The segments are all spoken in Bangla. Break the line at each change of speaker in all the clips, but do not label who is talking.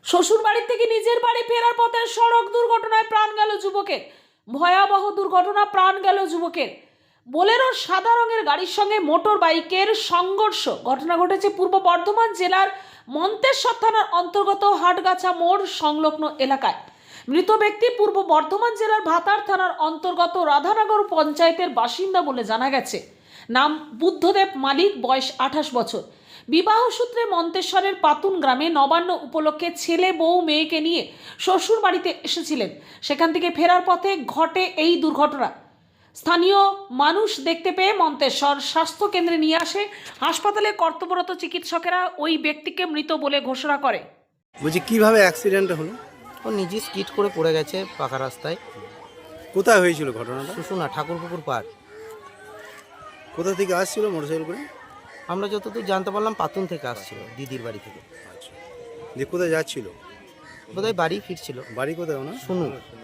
শ্বশুর বাড়ি থেকে নিজের বাড়ি ফেরার পথে সড়ক দুর্ঘটনায় প্রাণ গেল যুবকের। ভয়াবহ দুর্ঘটনা, প্রাণ গেল যুবকের। বোলেরোর সাদা রঙের গাড়ির সঙ্গে মোটর বাইকের সংঘর্ষ। ঘটনা ঘটেছে পূর্ব বর্ধমান জেলার মন্তেশ্বর থানার অন্তর্গত হাটগাছা মোড় সংলগ্ন এলাকায়। মৃত ব্যক্তি পূর্ব বর্ধমান জেলার ভাতার থানার অন্তর্গত রাধানগর পঞ্চায়েতের বাসিন্দা বলে জানা গেছে। নাম বুদ্ধদেব মালিক, বয়স 28 বছর। বিবাহ সূত্রে মন্তেশ্বরের পাতুন গ্রামে নবান্ন উপলক্ষে ছেলে বউ মেয়েকে নিয়ে শ্বশুর বাড়িতে এসেছিলেন। সেখান থেকে ফেরার পথে ঘটে এই দুর্ঘটনা। স্থানীয় মানুষ দেখতে পেয়ে মন্তেশ্বর স্বাস্থ্য কেন্দ্রে নিয়ে আসে। হাসপাতালে কর্তব্যরত চিকিৎসকেরা ওই ব্যক্তিকে মৃত বলে ঘোষণা করে।
বলছি কিভাবে অ্যাক্সিডেন্ট হলো?
ও নিজে স্কিড করে পড়ে গেছে পাকা রাস্তায়।
কোথায় হয়েছিল ঘটনাটা?
শুশুনা ঠাকুরপুকুর পার।
কোথা থেকে আসছিল মোটরসাইকেল করে?
আমরা যতদূর জানতে পারলাম পাতুন থেকে আসছিল, দিদির বাড়ি থেকে।
আচ্ছা, যে কোথায় যাচ্ছিল?
বোধহয় বাড়ি ফিরছিল।
বাড়ি কোথায় ওনার?
শুনু।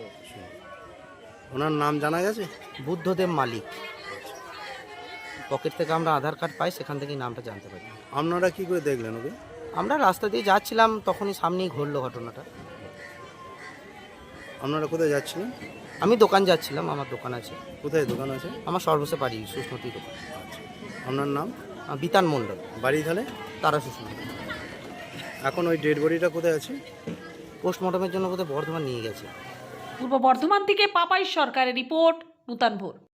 ওনার নাম জানা গেছে?
বুদ্ধদেব মালিক। পকেট থেকে আমরা আধার কার্ড পাই, সেখান থেকেই নামটা জানতে পারি।
আপনারা কি করে দেখলেন ওকে?
আমরা রাস্তা দিয়ে যাচ্ছিলাম, তখনই সামনেই ঘটলো ঘটনাটা।
আপনারা কোথায় যাচ্ছিলেন?
আমি দোকান যাচ্ছিলাম, আমার দোকান আছে।
কোথায় দোকান আছে?
আমার সর্বসে বাড়ি সুস্মতি দোকান।
আচ্ছা, আপনার নাম?
বিতান মণ্ডল,
বাড়ি তাহলে?
তারা সুস্মতি।
এখন ওই ডেড বডিটা কোথায় আছে?
পোস্টমর্টমের জন্য বোধহয় বর্ধমান নিয়ে গেছে।
পূর্ব বর্ধমান থেকে পাপাই সরকারের রিপোর্ট, নূতন ভোর।